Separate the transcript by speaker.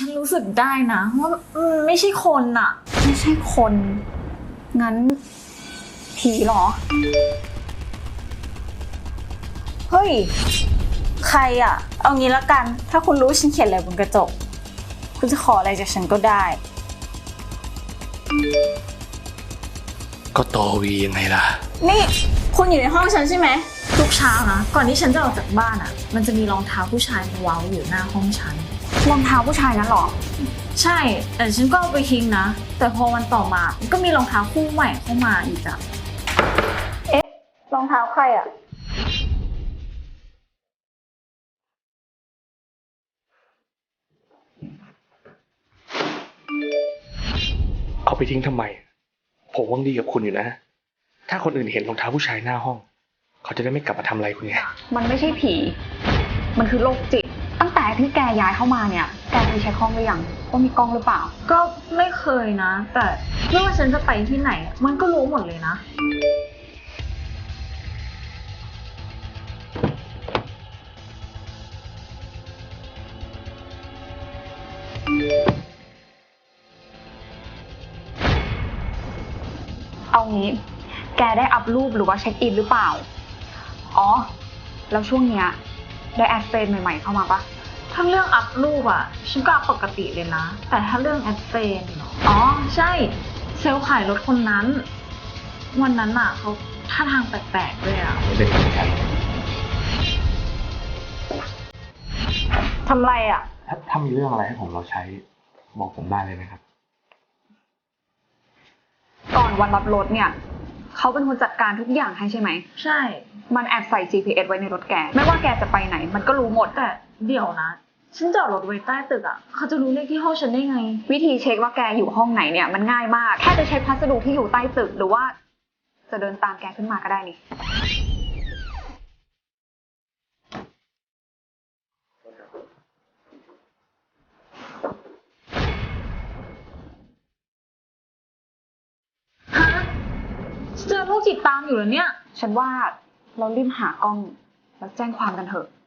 Speaker 1: ฉันรู้สึกได้นะว่าไม่ใช่คนอะ
Speaker 2: ไม่ใช่คน งั้นผีเหรอ
Speaker 3: เฮ้ยใครอะเอางี้ละกันถ้าคุณรู้ฉันเขียนอะไรบนกระจกคุณจะขออะไรจากฉันก็ได้
Speaker 4: ก็ตอวียังไงล่ะ
Speaker 3: นี่คุณอยู่ในห้องฉันใช่ไหม
Speaker 1: ทุกเช้านะก่อนที่ฉันจะออกจากบ้านอะมันจะมีรองเท้าผู้ชายมาวางอยู่หน้าห้องฉัน
Speaker 2: รองเท้าผู้ชายนั้นเหรอ
Speaker 1: ใช่แต่ฉันก็เอาไปทิ้งนะแต่พอวันต่อมาก็มีรองเท้าคู่ใหม่เข้ามาอีกอะ
Speaker 3: รองเท้าใครอะ
Speaker 4: เอาไปทิ้งทำไม ผมหวังดีกับคุณอยู่นะ ถ้าคนอื่นเห็นรองเท้าผู้ชายหน้าห้อง เขาจะได้ไม่กลับมาทำอะไรคุณไง
Speaker 2: มันไม่ใช่ผี มันคือโรคจิต ตั้งแต่ที่แกย้ายเข้ามาเนี่ย แกเคยเช็คห้องหรือยังว่ามีกล้องหรือเปล่า
Speaker 1: ก็ไม่เคยนะ แต่ไม่ว่าฉันจะไปที่ไหนมันก็รู้หมดเลยนะ
Speaker 2: เอางี้ แกได้อัพรูปหรือว่าเช็คอินหรือเปล่า อ๋อ แล้วช่วงเนี้ยได้แอดเฟรนใหม่ๆเข้ามาปะ
Speaker 1: ถ้าเรื่องอัพรูปอะฉันก็อัพปกติเลยนะ แต่ถ้าเรื่องแอดเฟนอ๋อใช่เซลล์ขายรถคนนั้นวันนั้นอะเขาท่าทางแปลกๆด้วยอะ
Speaker 4: ไม่ได้เหมือนกัน
Speaker 3: ทำไรอะ
Speaker 4: ถ้ามีเรื่องอะไรให้ผมเราใช้ บอกผมได้เลยนะครับ
Speaker 2: ก่อนวันรับรถเนี่ย เขาเป็นคนจัดการทุกอย่างให้ใช่ไหม
Speaker 1: ใช่
Speaker 2: มันแอบใส่ GPS ไว้ในรถแก ไม่ว่าแกจะไปไหน มันก็รู้หมด
Speaker 1: แต่เดี๋ยวนะฉันจอดรถไว้ใต้ตึกอะเขาจะรู้เลขที่ห้องฉันได้ไง
Speaker 2: วิธีเช็คว่าแกอยู่ห้องไหนเนี่ยมันง่ายมาก แค่จะเช็คพัสดุที่อยู่ใต้ตึกหรือว่า จะเดินตามแกขึ้นมาก็ได้นี่
Speaker 1: ฮะเจอโรคจิตตามอยู่เหรอเนี่ย
Speaker 2: ฉันว่าเรารีบหากล้องแล้วแจ้งความกันเถอะ